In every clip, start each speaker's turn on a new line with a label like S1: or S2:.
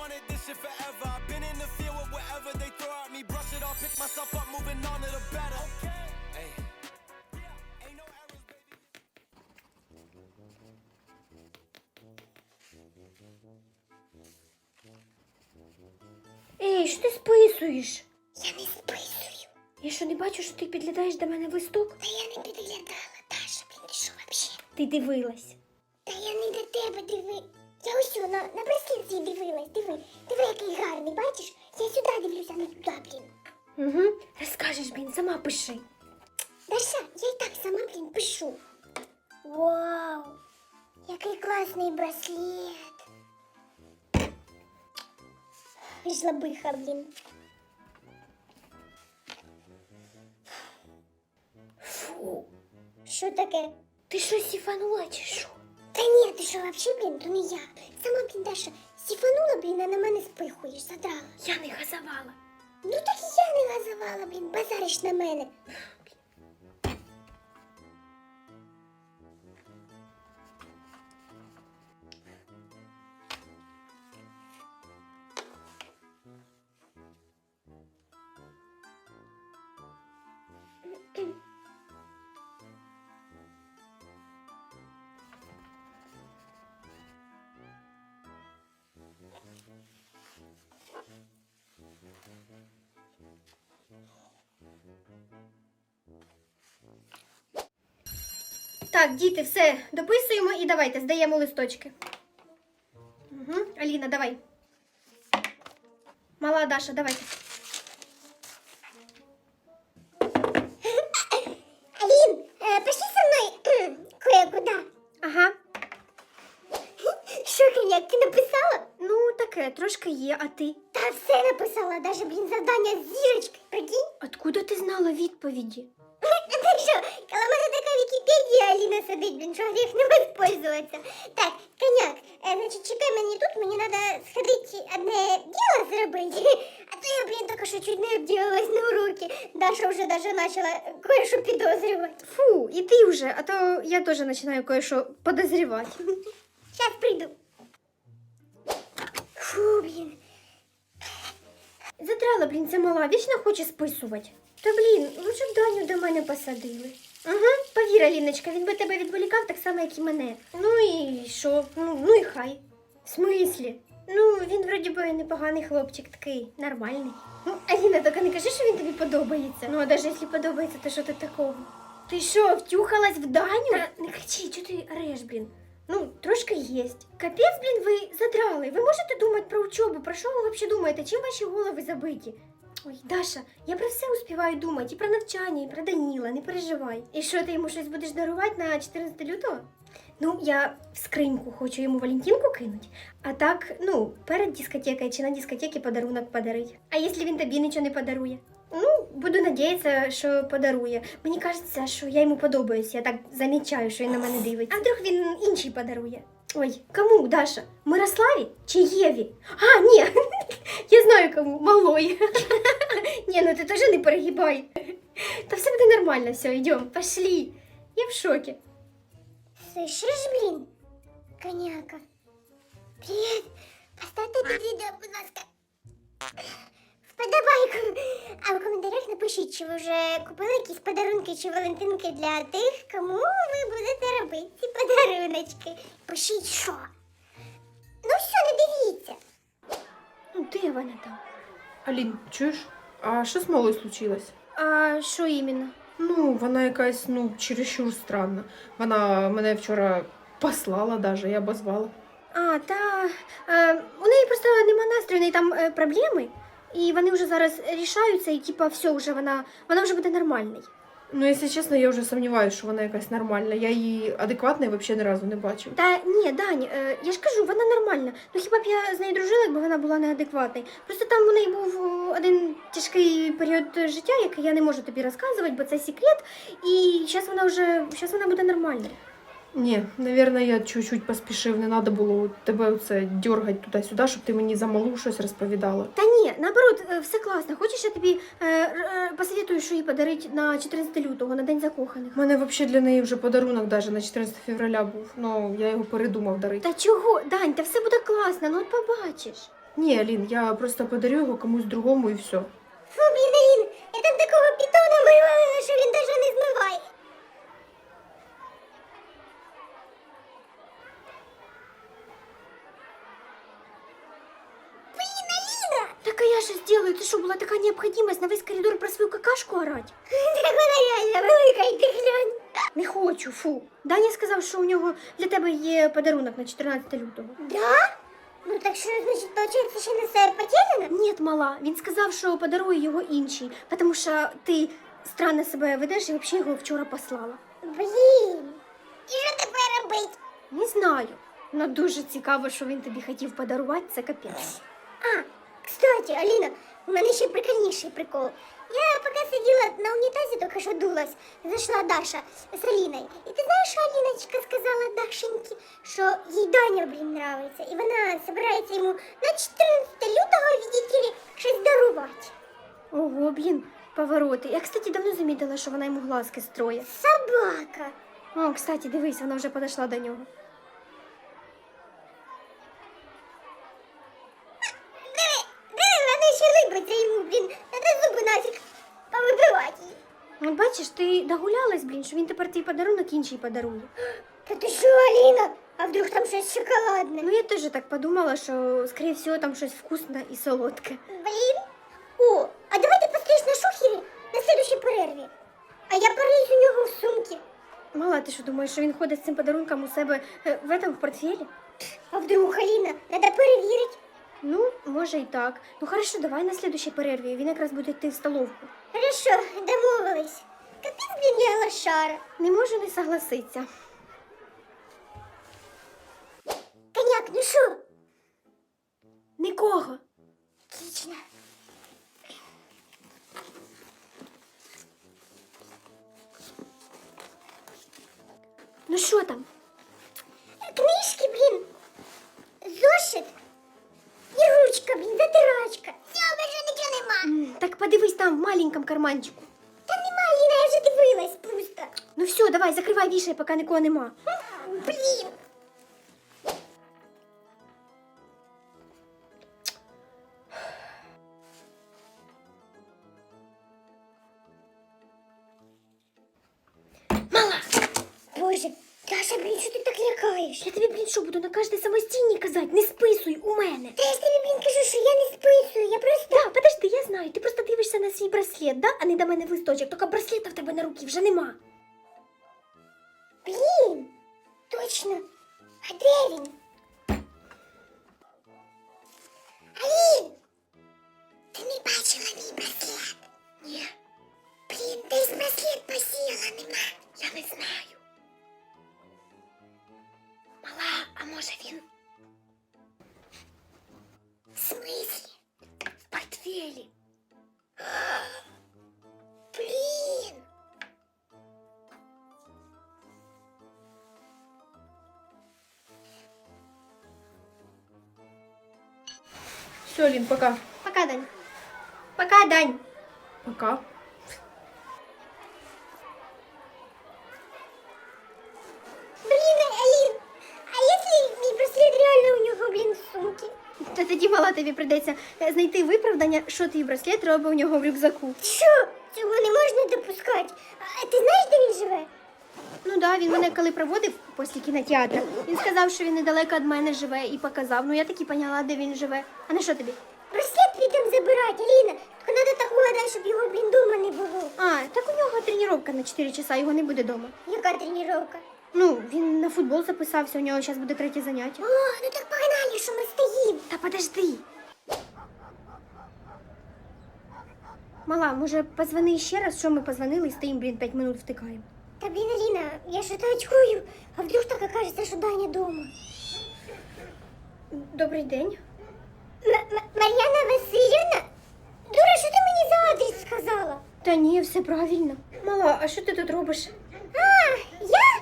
S1: wanted this shit forever. I've been in the field with whatever they throw at me. Brush it off, pick myself up, moving on to the better. Hey. Ain't no errors, baby.
S2: Ей, що ти списуєш?
S3: Я не списую.
S2: Я що, не бачу, що ти підглядаєш до мене в листок?
S3: Та я не підглядала, Даша, блін, ти що вообще?
S2: Ти дивилась.
S3: Та я не до тебе диви. Я ось на браслет свій дивилась, диви. Диви, який гарний, бачиш? Я сюди дивлюся, а не туди, блін.
S2: Угу. Розкажеш, блін, сама пиши.
S3: Даша, я і так сама, блін, пишу. Вау, який класний браслет. Жлобиха, блін.
S2: Фу.
S3: Що таке?
S2: Ти що, сіфанула чи що?
S3: Та ні, ти що, вообще, блін, то не я. Сама, блін, Даша, сіфанула, блін, а на мене спихуєш, задрала.
S2: Я не газувала.
S3: Ну так і я не газувала, блін, базариш на мене.
S2: Так, діти, все, дописуємо і давайте, здаємо листочки. Угу. Аліна, давай. Мала Даша, давайте.
S3: Алін, пошли со мною кое-куда.
S2: Ага.
S3: Що, Коняк, ти написала?
S2: Ну, таке, трошки є, а ти?
S3: Та все написала, даже, блін, завдання з зірочкою, прикинь.
S2: Откуда ти знала відповіді?
S3: Так що, коли в мене така Вікіпедія, Аліна сидить, блін, що гріх не воспользуватися. Так, Коняк, значить, чекай мені тут, мені треба сходити одне діло зробити. А то я, блін, тільки що чуть не обділилась на уроки. Даша вже даже почала кое-що підозрювати.
S2: Фу, і ти вже, а то я теж починаю кое-що подозрівати.
S3: Сейчас приду. Фу, блін.
S2: Задрала, блін, ця мала, вічно хоче списувати. Та, блін, лучше б Даню до мене посадили. Ага, повір, Аліночка, він би тебе відволікав так само, як і мене. Ну і що? Ну і хай. В смислі? Ну, він вроді би непоганий хлопчик, такий нормальний. Ну, Аліна, тільки не кажи, що він тобі подобається. Ну, а навіть якщо подобається, то що ти такого? Ти що, втюхалась в Даню? Та не кричи, чого ти ореш, блін? Ну, трошки єсть. Капець, блін, ви задрали. Ви можете думати про учебу? Про що ви взагалі думаєте? Чим ваші голови забиті? Ой, Даша, я про все успіваю думати. І про навчання, і про Даніла, не переживай. І що, ти йому щось будеш дарувати на 14 лютого? Ну, я в скриньку хочу йому Валентинку кинуть. А так, ну, перед дискотекою чи на дискотеці подарунок подарить. А якщо він тобі нічого не подарує? Ну, буду надіятися, що подарує. Мені кажеться, що я йому подобаюсь. Я так замічаю, що він на мене дивиться. А вдруг він інший подарує? Ой, кому, Даша? Мирославі чи Єві? А, ні, я знаю кому, малой. Ні, ну ти теж не перегибай. Та все буде нормально, все, йдемо, пошли. Я в шокі.
S3: Слышиш, блін? Коняка. Привіт. Поставте під відео, будь ласка, вподобайку. А в коментарях напишіть, чи ви вже купили якісь подарунки чи валентинки для тих, кому ви будете робити ці подаруночки. Пишіть, що. Ну все, не дивіться.
S2: Ну, де вона там?
S4: Алін, чуєш? А що з малою случилось?
S2: А що іменно?
S4: Ну, вона якась, чересчур странна. Вона мене вчора послала даже, я обозвала.
S2: А, та у неї просто нема настрою, у неї там проблеми. І вони вже зараз рішаються, і типа все, вона вже буде нормальний.
S4: Ну, якщо чесно, я вже сумніваюся, що вона якась нормальна. Я її адекватної взагалі ні разу не бачив.
S2: Та ні, Дань, я ж кажу, вона нормальна. Ну хіба б я з нею дружила, якби вона була неадекватною. Просто там у неї був один тяжкий період життя, який я не можу тобі розказувати, бо це секрет. І зараз вона буде нормальною.
S4: Ні, навірно, я чуть-чуть поспішив, не треба було тебе оце дергати туди-сюди, щоб ти мені за малу щось розповідала.
S2: Та ні, наоборот, все класно. Хочеш, я тобі посоветую, що їй подарити на 14 лютого, на День закоханих?
S4: У мене взагалі для неї вже подарунок даже на 14 февраля був, я його передумав дарити.
S2: Та чого, Дань, та все буде класно, ну от побачиш.
S4: Ні, Алін, я просто подарю його комусь другому і все.
S3: Фу, блін, Алін, я там такого питона вивалила, що він даже не змиває. Блін, Аліна!
S2: Так а я що зроблю? Ти що, була така необхідність на весь коридор про свою какашку орати?
S3: Так вона реально велика, і ти глянь.
S2: Не хочу, фу. Даня сказав, що у нього для тебе є подарунок на 14 лютого.
S3: Да? Ну так що, значить, получається, ще не все потеряно?
S2: Ні, мала, він сказав, що подарує його інший, тому що ти странно себе ведеш і взагалі його вчора послала.
S3: Блін, і що тепер робити?
S2: Не знаю. Ну дуже цікаво, що він тобі хотів подарувати, це капець.
S3: А, кстати, Аліна, у мене ще прикольніший прикол. Я поки сиділа на унітазі, тільки що дулась, зайшла Даша з Аліною. І ти знаєш, що Аліночка сказала Дашеньки, що їй Даня, блін, нравиться. І вона збирається йому на 14 лютого, видите ли, щось дарувати.
S2: Ого, блін, повороти. Я, кстати, давно замітила, що вона йому глазки строє.
S3: Собака.
S2: О, кстати, дивись, вона вже підійшла до нього.
S3: Диви, вона ще либиться йому, блін, треба зуби нафіг повибивати її.
S2: От бачиш, ти догулялась, блін, що він тепер твій подарунок інший подарує.
S3: Та ти що, Аліна? А вдруг там щось шоколадне?
S2: Ну, я теж так подумала, що, скоріше всього, там щось вкусне і солодке.
S3: Блін. О, а давай ти постоїш на шухері на следующій перерві. А я пораюсь у нього в сумці.
S2: Мала, ти що думаєш, що він ходить з цим подарунком у себе в портфелі?
S3: А вдруг, Аліна, треба перевірити.
S2: Ну, може і так. Ну, хорошо, давай на слідущій перерві, він якраз буде йти в столовку.
S3: Хорошо, домовились. Капець, блін, я лошара.
S2: Не можу не согласитися.
S3: Коняк, ну що?
S2: Нікого.
S3: Отлично.
S2: Ну, що там?
S3: Книжки, блін. Зошит. І ручка, блін, затирачка. Все, більше нічого нема.
S2: Так подивись там, в маленькому карманчику.
S3: Та нема, Аліна, я вже дивилась просто.
S2: Ну все, давай, закривай, вішай, поки нікого нема.
S3: Блін.
S2: Мала!
S3: Боже, Даша, блін, що ти так лякаєш?
S2: Я тобі, блін, що, буду на кожній самостійній казати? Не списуй у мене.
S3: Та я ж тобі, блін, кажу, що я не списую, я просто...
S2: Да, подожди, я знаю, ти просто дивишся на свій браслет, да? А не до мене в листочок, тільки браслета в тебе на руці вже нема.
S3: Блін, точно. А де він? Алін! Ти не бачила мій браслет? Ні. Блін, десь браслет посіяла, нема.
S2: Я не знаю. Мала, а може він
S3: В смислі?
S2: в портфелі?
S3: Блін!
S4: Все, Алін, пока.
S2: Пока, Дань. Пока, Дань.
S4: Пока.
S3: Блін, Алін! А якщо мій браслет реально у нього, блін, в сумці?
S2: Та тоді, мала, тобі прийдеться знайти виправдання, що твій браслет робить у нього в рюкзаку.
S3: Що? Цього не можна допускати. А ти знаєш, де він живе?
S2: Ну да, він мене коли проводив після кінотеатру, він сказав, що він недалеко від мене живе і показав. Ну я таки поняла, де він живе. А на що тобі?
S3: Браслет підемо забирати, Аліна. Тільки треба так угадати, щоб його, блін, дома не було.
S2: А, так у нього тренування на 4 часа, його не буде вдома.
S3: Яка тренування?
S2: Ну, він на футбол записався, у нього зараз буде 3 заняття.
S3: О, ну так погнали, що ми стоїмо.
S2: Та подожди. Мала, може позвони ще раз, що ми позвонили і стоїмо, блін, 5 минут втикаємо.
S3: Та, блін, Аліна, я що-то очкую. А вдруг так окажеться, що Даня дома?
S2: Добрий день.
S3: Мар'яна Васильівна? Дура, що ти мені за адрес сказала?
S2: Та ні, все правильно. Мала, а що ти тут робиш?
S3: А, я?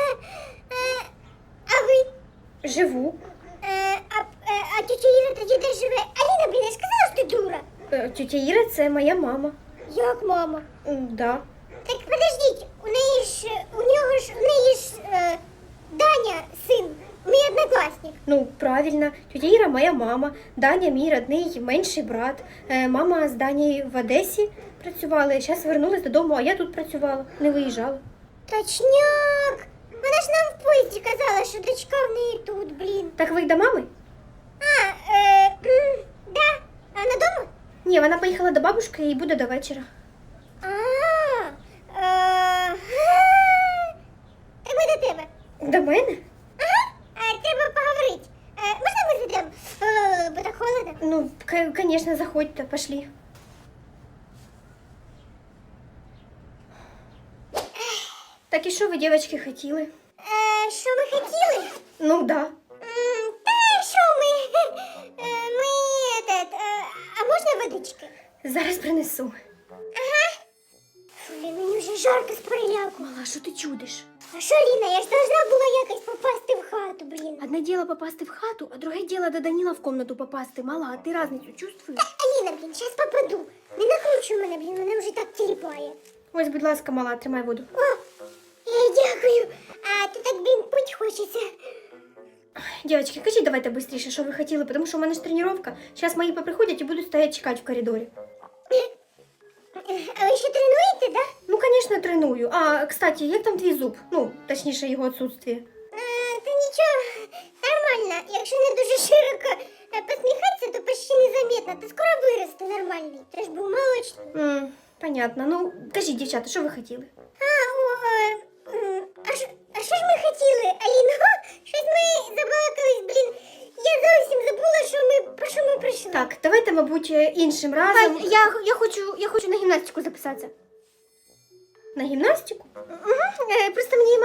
S3: А ви?
S2: Живу.
S3: А тетя Іра тоді де живе? Аліна, блін, я ж казала, що ти дура.
S2: Тетя Іра, це моя мама.
S3: Як мама?
S2: Да.
S3: Так подождіть, у неї ж Даня син, мій однокласник. однокласник.
S2: Ну, правильно, тетя Іра моя мама, Даня мій родний менший брат. Мама з Данією в Одесі працювала, зараз вернулась додому, а я тут працювала, не виїжджала.
S3: Точняк! Вона ж нам в поїзді казала, що дочка в неї тут, блін.
S2: Так ви до мами?
S3: Да. А вона дома?
S2: Ні, вона поїхала до бабушки і буде до вечора.
S3: Так ми до тебе.
S2: До мене?
S3: Треба поговорити. Можна ми зайдемо? Бо так холодно.
S2: Ну, конечно, заходьте, пошли. Так і що ви, дівчатки, хотіли?
S3: Що ми хотіли?
S2: Ну, да.
S3: Та що ми? А можна водички?
S2: Зараз принесу.
S3: Блін, мені вже жарко з переляку.
S2: Мала, що ти чудиш?
S3: А що, Ліна, я ж должна була якось попасти в хату, блін.
S2: Одне діло попасти в хату, а друге діло до Даніла в комнату попасти. Мала, а ти разницю чувствуєш?
S3: Аліна, блін, зараз попаду. Не накручуй мене, блін, мене вже так тіліпає.
S2: Ось, будь ласка, мала, тримай воду.
S3: О, дякую. А то так, блін, пить хочеться.
S2: Дівчатки, кажіть давайте швидше, що ви хотіли, тому що у мене ж тренування. Зараз мої поприходять і будуть стояти чекати в коридорі.
S3: А ви ще тренуєте, да?
S2: Ну, звісно, треную. А, кстати, як там твій зуб? Ну, точніше, його відсутствие.
S3: Та нічого, нормально. Якщо не дуже широко посміхатися, то почти незаметно. Ти скоро виросте нормальний. Ти ж був молочний.
S2: Понятно. Ну, кажіть, дівчата, що ви хотіли?
S3: А що ж ми хотіли, Аліна? Щось ми забалакались, блін. Я зовсім забула, про що ми прийшли.
S2: Так, давайте, мабуть, іншим разом. Я хочу на гімнастику записатися. На гімнастику? Угу. Просто мені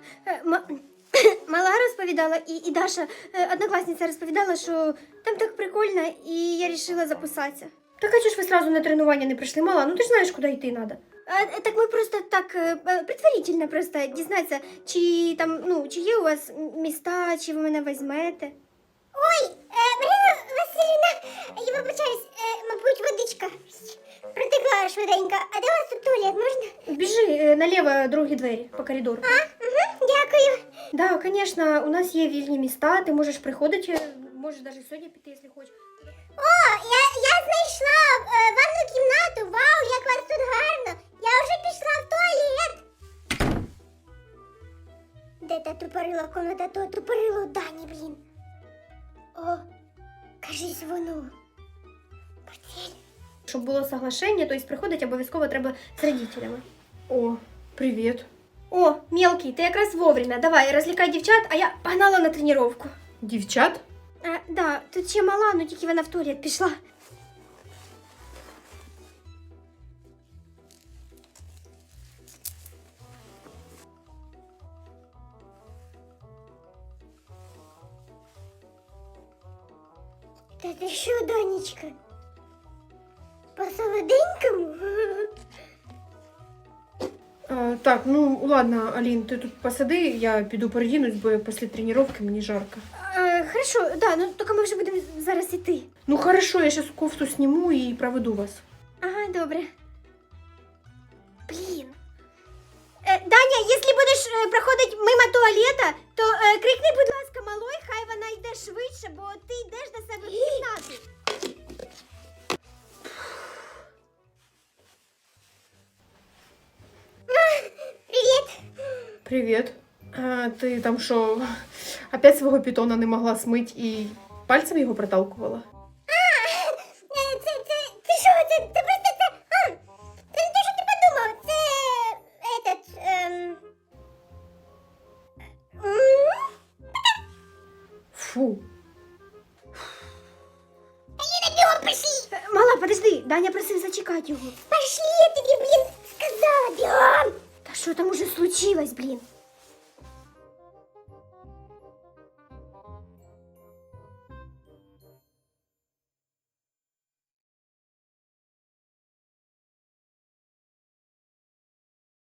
S2: мала розповідала, і Даша, однокласниця, розповідала, що там так прикольно, і я вирішила записатися. Так а чого ж ви сразу на тренування не прийшли? Мала, ну ти ж знаєш, куди йти треба. Так ми просто так предварительно просто дізнатися, чи там, ну, чи є у вас міста, чи ви мене візьмете.
S3: Ой, Марина Васильівна, я вибачаюсь, мабуть, водичка протекла швиденько. А де у вас тут туалет, можна?
S2: Біжи наліво другі двері по коридору.
S3: Дякую.
S2: Да, конечно, у нас є вільні міста, ти можеш приходити, можеш навіть сьогодні піти, якщо хочеш.
S3: О, я знайшла ванну кімнату. Вау, як вас тут гарно. Я вже пішла в туалет. Де та тупорила комната, то тупорило Дані, блін. О, кажись, воно. Постель.
S2: Щоб було соглашення, то есть приходити обов'язково треба з родителями.
S4: О, привіт.
S2: О, мелкий, ти якраз вовремя. Давай, розлікай дівчат, а я погнала на тренування.
S4: Дівчат?
S2: Да, тут ще мала, ну тільки вона в туалет пішла.
S3: Та ти що, донечка? По солоденькому?
S4: Так, ну ладно, Алін, ти тут посиди, я піду передінусь, бо після тренування мені жарко.
S2: Хорошо, да, ну тільки ми вже будемо зараз іти.
S4: Ну хорошо, я зараз кофту сніму і проведу вас.
S2: Ага, добре. Блін. Даня, якщо будеш проходити мимо туалета, то крикни, будь ласка, малой, хай вона йде швидше, бо ти йдеш до себе в кімнату.
S3: Привіт.
S4: Привіт. Ти там що, опять свого питона не могла смить і пальцем його проталкувала?
S3: Це що? Це просто це... Це не те, що ти подумав. Це...
S2: Фу.
S3: Аліна, бігом пошли.
S2: Мала, подожди, Даня просив зачекати його.
S3: Пошли, я тобі, блін, сказала, бігом.
S2: Та що там уже случилось, блін?